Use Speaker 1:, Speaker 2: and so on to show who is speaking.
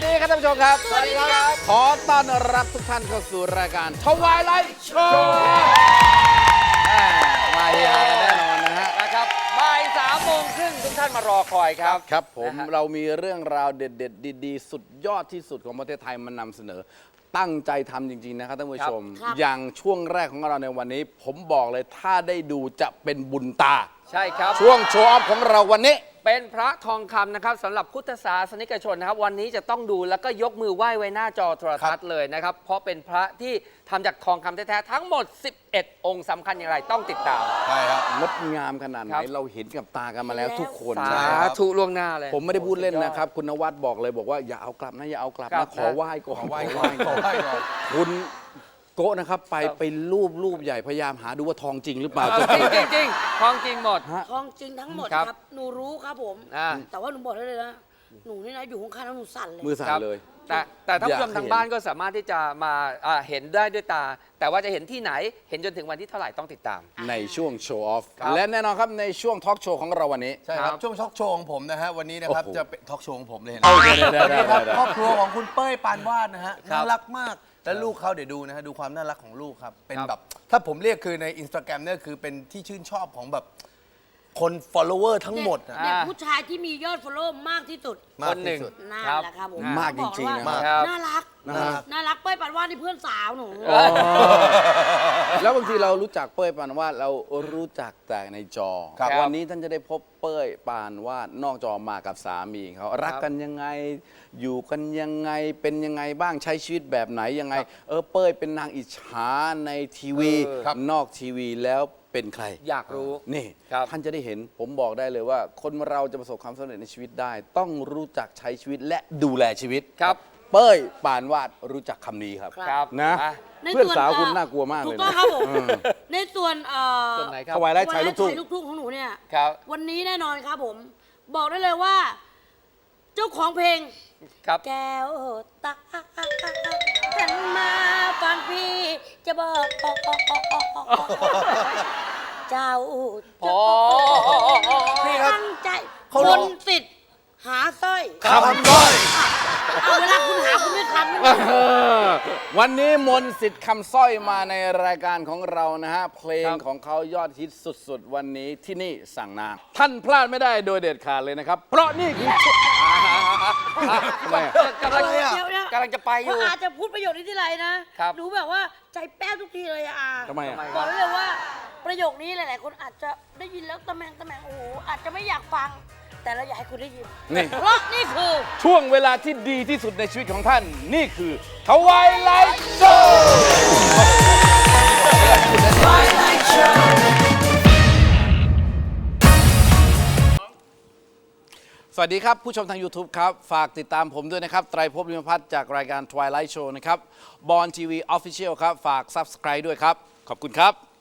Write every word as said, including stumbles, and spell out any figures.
Speaker 1: ดีครับท่านผู้ชมครับ
Speaker 2: สวัสดีครับ
Speaker 1: ขอต้อนรับทุกท่านเข้าสู่รายการทวายไลท์โชว์มาเฮียกันแน่นอนนะฮะ
Speaker 2: นะครับบ่ายสามโมงครึ่งทุกท่านมารอคอยครับ
Speaker 1: ครับผม
Speaker 2: นะฮะ
Speaker 1: เรามีเรื่องราวเด็ดๆ ดีๆ สุดยอดที่สุดของประเทศไทยมานำเสนอ ตั้งใจทำจริง ๆ นะครับท่านผู้ชม
Speaker 3: ครับ
Speaker 1: อย่างช่วงแรกของเราในวันนี้ ผมบอกเลยถ้าได้ดูจะเป็นบุญตา
Speaker 2: ใช่ครับ
Speaker 1: ช่วงโชว์ออฟของเราวันนี้
Speaker 2: เป็นพระทองคำนะครับสำหรับพุทธศาสนิกชนนะครับ วันนี้จะต้องดูแล้วก็ยกมือไหว้ไว้หน้าจอโทรทัศน์เลยนะครับ เพราะเป็นพระที่ทำจากทองคำแท้ๆทั้งหมด สิบเอ็ด องค์สำคัญอย่างไรต้องติดตาม
Speaker 4: ใช่ครับ
Speaker 1: งดงามขนาดไห
Speaker 2: ครั
Speaker 1: น
Speaker 2: บ
Speaker 1: เราเห็นกับตากันมาแล้วทุกคน
Speaker 2: สา
Speaker 4: ใช่ครับ
Speaker 2: ธุล่วงหน้าเลย
Speaker 1: ผมไม่ได้พูดเล่นนะครับ คุณนวัดบอกเลยบอกว่าอย่าเอากลับนะอย่าเอากลับ
Speaker 2: ครั
Speaker 1: นะ
Speaker 2: บ
Speaker 1: ขอไหว้ก่อน
Speaker 4: ขอไหว้ก่อนขอไหว้ก่อน
Speaker 1: คุณโกะนะครับไป
Speaker 2: ครับ
Speaker 1: ไปรูปรูปใหญ่พยายามหาดูว่าทองจริงหรือเปล่า
Speaker 2: จริงจริงจริงๆทองจริงหมด
Speaker 1: ฮะ
Speaker 3: ทองจริงทั้งหมด
Speaker 2: ครับ
Speaker 3: ครับ หนูรู้ครับผม
Speaker 2: อ่า
Speaker 3: แต่ว่าหนูบอกได้เลยนะ หนูนี่นะอยู่ข้างๆแล้วหนูสั่นเลย
Speaker 1: มือสั่น
Speaker 2: ครับ
Speaker 1: เลย
Speaker 2: แต่แต่ท่านผู้ชม
Speaker 1: อยากให้
Speaker 2: ทางบ้านก็สามารถที่จะมาอ่าเห็นได้ด้วยตา แต่ว่าจะเห็นที่ไหนเห็นจนถึงวันที่เท่าไหร่ต้องติดตาม
Speaker 1: ในช่วงโชว์ออฟ
Speaker 2: ครับ
Speaker 1: และแน่นอนครับในช่วงทอล์กโชว์ของเราวันนี้
Speaker 4: ใช่ครับ
Speaker 2: ครับ
Speaker 4: ช่วงทอล์กโชว์ของผมนะฮะวันนี้นะครับ
Speaker 1: โอ้โห
Speaker 4: จะเป็นทอล์กโชว์ของผมเลยนะ
Speaker 1: เอาได้ได้
Speaker 4: วัน
Speaker 1: ได้
Speaker 4: นี้ครับ
Speaker 1: ได้
Speaker 4: ครอบครัวของคุณเป้ยปานวาดนะฮะ
Speaker 2: ครับ
Speaker 4: น่ารักมากและลูกเขาเดี๋ยวดูนะฮะดูความน่ารักของลูกครับเป็น
Speaker 2: ครับ
Speaker 4: แบบถ้าผมเรียกคือในอินสตาแกรมเนี่ยคือเป็นที่ชื่นชอบของแบบคน follower ทั้งหมดอะ
Speaker 3: เด็ก
Speaker 2: อ่า
Speaker 3: ผู้ชายที่มียอดฟอลโล่มากที่สุด
Speaker 4: มาก
Speaker 2: คนหนึ่ง
Speaker 4: ที่สุด
Speaker 3: น่า
Speaker 2: ครับ
Speaker 3: แหละครับผม
Speaker 1: มากจริงๆ
Speaker 3: บอ
Speaker 1: นะ
Speaker 3: กเลยว่า
Speaker 2: ครับ
Speaker 3: น่ารัก
Speaker 1: น่ารัก
Speaker 3: น่ารักเป้ยปันว่านี่เพื่อนสาวหนู
Speaker 1: แล้วบางทีเรารู้จักเป้ยปานวาดเรารู้จักแต่ในจอ
Speaker 4: ครับ
Speaker 1: วันนี้ท่านจะได้พบเป้ยปานวาดนอกจอมากับสามีเขารักกันยังไงอยู่กันยังไงเป็นยังไงบ้างใช้ชีวิตแบบไหนยังไง เออเป้ยเป็นนางอิจฉาในทีวี
Speaker 2: เออ
Speaker 4: ครับ
Speaker 1: นอกทีวีแล้วเป็นใคร
Speaker 2: อยากรู้
Speaker 1: นี่
Speaker 2: ครับ
Speaker 1: ท่านจะได้เห็นผมบอกได้เลยว่า คนเราจะประสบความสำเร็จในชีวิตได้ ต้องรู้จักใช้ชีวิตและดูแลชีวิต
Speaker 2: ครับ
Speaker 1: เป้ยปานวาดรู้จักคำนี้ครับ
Speaker 2: ครับ
Speaker 1: นะ
Speaker 2: อ่
Speaker 3: ใน
Speaker 1: เพื่อน
Speaker 3: ส่วน
Speaker 1: สาวคุณ
Speaker 3: เอ่อ
Speaker 1: น่ากลัวมากเลย
Speaker 3: ถูกต้องครับผม
Speaker 1: เออ
Speaker 3: ในส่วนเอ่อ
Speaker 2: ส่วนไหนครับ
Speaker 1: ถวายไล่ชายลูกทุ่ง
Speaker 3: ชายลูกทุ่งของหนูเนี่ย
Speaker 2: ครับ
Speaker 3: วันนี้แน่นอนครับผม บอกได้เลยว่า เจ้าของเพลง
Speaker 2: ครับ
Speaker 3: แก้วตาฉันมาฟังพี่ จะบอกเจ้า
Speaker 2: โอ้
Speaker 4: พี่ครับ
Speaker 3: ตั้งใจ
Speaker 4: เขา
Speaker 3: ค
Speaker 4: ร้อง
Speaker 3: นสิทธิ์หาสร้อย
Speaker 4: คำด้อย
Speaker 3: เอาเวลาคุณหาคุณไม่คำนะ
Speaker 1: เออวันนี้มนต์สิทธิ์คำสร้อยมาในรายการของเรานะฮะ เพลง
Speaker 2: ครับ
Speaker 1: ของเขายอดฮิตสุดๆ วันนี้ที่นี่สั่งนาท่านพลาดไม่ได้โดยเด็ดขาดเลยนะครับ เพราะนี่คือทำไมอะ
Speaker 2: กำลัง
Speaker 3: เดี๋ยวเดี๋ยว
Speaker 2: กำลังจะไปอ
Speaker 3: เพ
Speaker 2: ยู่
Speaker 3: ราะอาจจะพูดประโยคนี้ที่ไรนะครับ หนูแบบว่าใจแป้วทุกทีเลยอะอา
Speaker 1: ทำไมอะ
Speaker 3: บอกได้เลยว่าประโยคนี้หลาย ๆ คนอาจจะได้ยินแล้วตะแมงตะแมงโอ้โหอาจจะไม่อยากฟัง แต่เราอยากให้คุณได้ยิน
Speaker 1: นี่
Speaker 3: เพราะนี่คือ
Speaker 1: ช่วงเวลาที่ดีที่สุดในชีวิตของท่าน นี่คือทวายไลท์โชว์สวัสดีครับ ผู้ชมทาง YouTube ครับ ฝากติดตามผมด้วยนะครับ ไตรภพลิมพัฒน์จากรายการ Twilight Show นะครับบอลทีวีออฟฟิเชียลครับ ฝาก Subscribe ด้วยครับ ขอบคุณครับ